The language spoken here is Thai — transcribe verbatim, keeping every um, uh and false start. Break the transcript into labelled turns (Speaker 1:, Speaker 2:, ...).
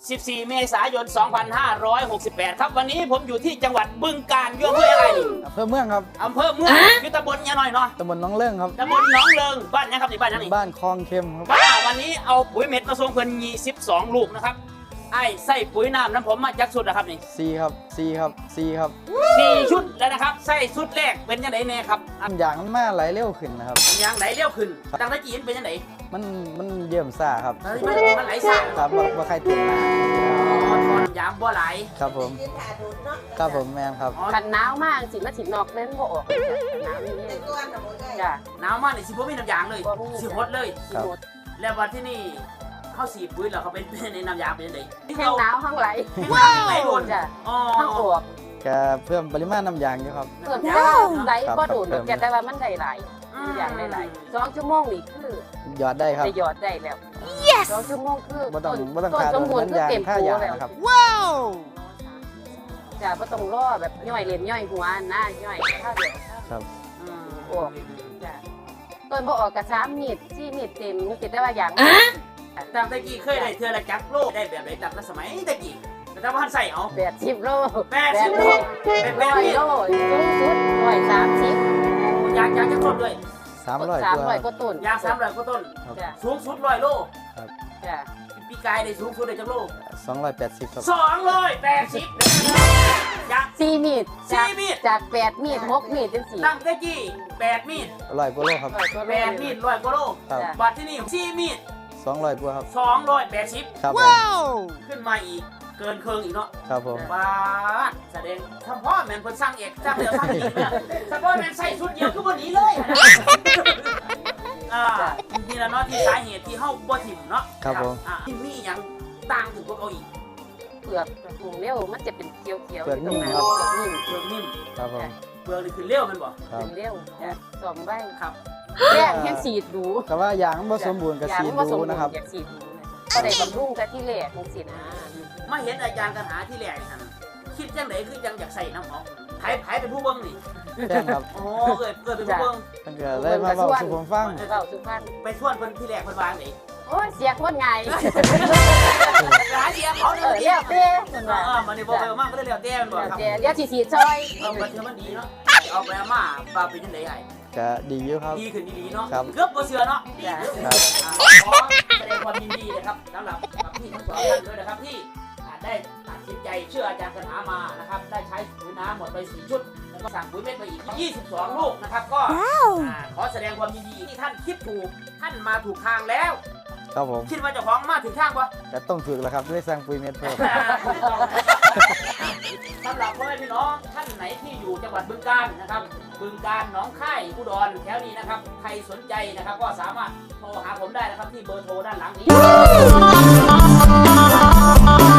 Speaker 1: สิบสี่ เมษายน สองพันห้าร้อยหกสิบแปด ครับวันนี้ผมอยู่ที่จังหวัดบึงกาฬอยู่อำเภออะไรนี่
Speaker 2: อำเภอเมืองครับ
Speaker 1: อำเภอเมืองอยู่ตำบลยะหน่อยเนาะ
Speaker 2: ตำบลหน้องเลื่องครับ
Speaker 1: ตำบลหนองเลิงบ้านยังครับนี่บ้านยังนี่
Speaker 2: บ้านคลองเข้มครับ
Speaker 1: ว่าวันนี้เอาปุ๋ยเม็ดมาส่งเพิ่นยี่สิบสองลูกนะครับไอ้ใส่ปุ๋ยน้ำน้ำผมมาจากสุดนะครับนี่
Speaker 2: ซีครับซีครับซีครับ
Speaker 1: สี่ชุดแล้วนะครับใส่ชุดแรกเป็นยังไงแน่ครับ
Speaker 2: อันอย่างมันมาไหลเร็วขึ้นนะครับ
Speaker 1: อย่างไหนเลี้ยวขึ้นตั้งแต่จีนเป็นยังไง
Speaker 2: มันมันเยี่ยมซ่าครับ
Speaker 1: มันมันไหลสาย
Speaker 2: ครับว่าว่าใครติดมา
Speaker 1: อ๋อทอนยางบ่ไหล
Speaker 2: ครับผมครับผมแมนครับ
Speaker 1: อ๋อ
Speaker 3: กันหนาวมากสิมาสินอกเล่นบ่ออกหนาวนี่จ้ะ
Speaker 1: หนาวมากนี่สิบ่มีน้ำยางเลย
Speaker 3: บ่มี
Speaker 1: สิหดเลย
Speaker 3: สิหมด
Speaker 1: แล้ววันที่นี่เข้าสีปุ๋ยแล้วเขาเป็นในน้ำยางเป็นยังไง
Speaker 3: แห้งหนาวห้างไหล
Speaker 1: ว้าวไหลโดน
Speaker 3: จ้ะ
Speaker 1: อ๋อ
Speaker 3: ห้างออก
Speaker 2: จะเพิ่มปริมาณน้ำยางอยู่ครับ
Speaker 3: เพิ่มเพิ่มไหลบ่โดนแต่แต่ว่ามันได้หลายอย่างได้หลายสองชั่วโมงนี่คือ
Speaker 2: หยอดได้ครับ
Speaker 3: จะหยอดได้แล้วสองชั่วโมงคือ
Speaker 2: บ่ต้องบ่ต้อง
Speaker 3: ต้น
Speaker 2: ขาด
Speaker 3: สมบูรณ์
Speaker 2: น้ำยาง
Speaker 3: คือเต็ม
Speaker 2: ค่า
Speaker 3: ตัว
Speaker 2: ยาง
Speaker 3: แล้ว
Speaker 2: นะครับ
Speaker 3: จ้ะบ่ต้องรอแบบย่อยเลียนย่อยหัวหน้าย่อยข้าวเดียว
Speaker 2: ครับ
Speaker 1: อืม
Speaker 3: ออกจ้ะต้นบ่ออกกระซ้ำมีดซี่มีดเต็มมันติดได้ว่าอย่าง
Speaker 1: ตั้งแต่กี้เคยได้เทือละจักโลกได้แบบไหนตั้งแต่สมัยแต่กี้แต่ถ้าพันใส่เอา
Speaker 3: แปดสิบโล
Speaker 1: แปดสิบโลเป็นแป
Speaker 3: ร้
Speaker 1: ด
Speaker 3: อย
Speaker 1: สิบ
Speaker 3: โลสูงสุดร้อยสามสิบ
Speaker 1: ยางยางจะต้นด้วย
Speaker 2: สามร้อย
Speaker 3: สาม
Speaker 2: กว่า
Speaker 3: ร้อยกว่าต้น
Speaker 1: ยางสามร้อยกว่าต้น
Speaker 3: จ้ะ
Speaker 1: สูงสุดร้อยโล
Speaker 3: จ้ะ
Speaker 1: ปีกายได้สูงสุดได้จักโล
Speaker 2: สองร้อยแปดสิบครับ
Speaker 1: สองร้อยแปดสิบยาง
Speaker 3: สี่มีด
Speaker 1: สี่
Speaker 3: จาก
Speaker 1: มีด
Speaker 3: จากแปดมีดหกมีดเป็นสี่
Speaker 1: ตั้งแต่กี้แปดมีด
Speaker 2: ร้อยกว่าโลครับ
Speaker 3: ร้อยกว่าโล
Speaker 1: แปดมีดร้อยกว่าโล
Speaker 2: ครับ
Speaker 3: จ้ะ
Speaker 1: บัดที่นี่สี่มีด
Speaker 2: สองร้อยกว่าครับ
Speaker 1: สองร้อยแปดสิบ
Speaker 2: ครับผม
Speaker 1: ขึ้นมาอีกเกินเคิงอีกเนาะ
Speaker 2: ครับผม
Speaker 1: บาดแสดงเฉพาะแมนเพิ่นสร้างเอกสร้างเดียวสร้างอีกเนี่ยเฉพาะแมนใส่ชุดเดียวคือวันนี้เลยอ่านี่แหละเนาะที่สาเหตุที่เฮาบ่ถิ่มเนาะ
Speaker 2: ครับผม
Speaker 1: อ่าที่มีหยังต่างถึงพวกเอาอีก
Speaker 3: เปลือกหุงเลี้ยวมันจะเป็นเขียวเขียว
Speaker 2: เปลือกนิ่ม
Speaker 3: ตรง
Speaker 2: ครับ
Speaker 3: เปลือกนิ่ม
Speaker 1: เปลือกนิ่ม
Speaker 2: ครับผม
Speaker 1: เปลือกนี่คือเลี้ยวแมันบ่
Speaker 2: ครับ
Speaker 3: เป็นเลี้ยวจ้ะสองใบ
Speaker 1: ครับ
Speaker 3: แรกแค่สีดดู
Speaker 2: แต่ว่ายางมันบ่สมบูรณ์กับสี
Speaker 3: อย่างว่าสม
Speaker 2: ดู
Speaker 3: บูรณ์
Speaker 2: นะครับ
Speaker 3: อยากสีดดูนะก็ได้บำรุงกันที่แรกของสีนะ
Speaker 1: มาเห็นอาจารย์กันหาที่แรกนี่หั่นคิดจังไดคือจังอยากใส่น้ำหอมไผไผเป็นผู้เบิ่งนี่
Speaker 2: แจ้งครับ
Speaker 1: โอ้เกิดเกิดเป็นผู้เบิ่ง
Speaker 2: มันก็เลยมาเว้าสู่ผมฟัง
Speaker 3: เล่าสุพรรณ
Speaker 1: ไปชวนเพิ่นที่แรกเพิ่นวางนี่
Speaker 3: โอ้ยเสียคนไง
Speaker 1: หาเดียวเขา
Speaker 3: เอ
Speaker 1: เด้อ
Speaker 3: อ
Speaker 1: เดี
Speaker 3: เลี้
Speaker 1: ย
Speaker 3: ยว วเต้คนว่า
Speaker 1: อ่ามันนี่บ่ไปมากก็ได้แล้วแต่มันบ่ครับ
Speaker 3: เดี๋ยวเดี๋ยวสีสีซอย
Speaker 1: เอาไปเทื่อมันดีเนาะเอาไปมาปลาเป็นจังได๋ไอ้
Speaker 2: ก็ดีอยู่ครับ
Speaker 1: ดีขึ้นดีๆเนาะ
Speaker 2: ครับ
Speaker 1: เกือบบ่เชื่อเนาะ
Speaker 3: จ้ะ
Speaker 2: ครับ
Speaker 1: อ่าขอแสดงความยินดีนะครับสำหรับกับพี่ทั้งสองท่านด้วยนะครับที่อ่าได้ตัดสินใจเชื่ออาจารย์คาถามานะครับได้ใช้ปุ๋ยน้ำหมดไปสี่ชุดแล้วก็สั่งปุ๋ยเม็ดไปอีกยี่สิบสองลูกนะครับก็อ่าขอแสดงความยินดีที่ท่านคิดถูกท่านมาถูกทางแล้ว
Speaker 2: ครับผม
Speaker 1: คิดว่าเจ้าของมาถึงทางปะ
Speaker 2: ก็ต้องฝึกแล้วครับด้วยสร้างปุ๋ยเม็ดเพิ่ม
Speaker 1: สำหรับพ่อแม่พี่น้องท่านไหนที่อยู่จังหวัดบึงกาฬนะครับบึงกาฬหนองคายอุดรแถวนี้นะครับใครสนใจนะครับก็สามารถโทรหาผมได้นะครับที่เบอร์โทรด้านหลังนี้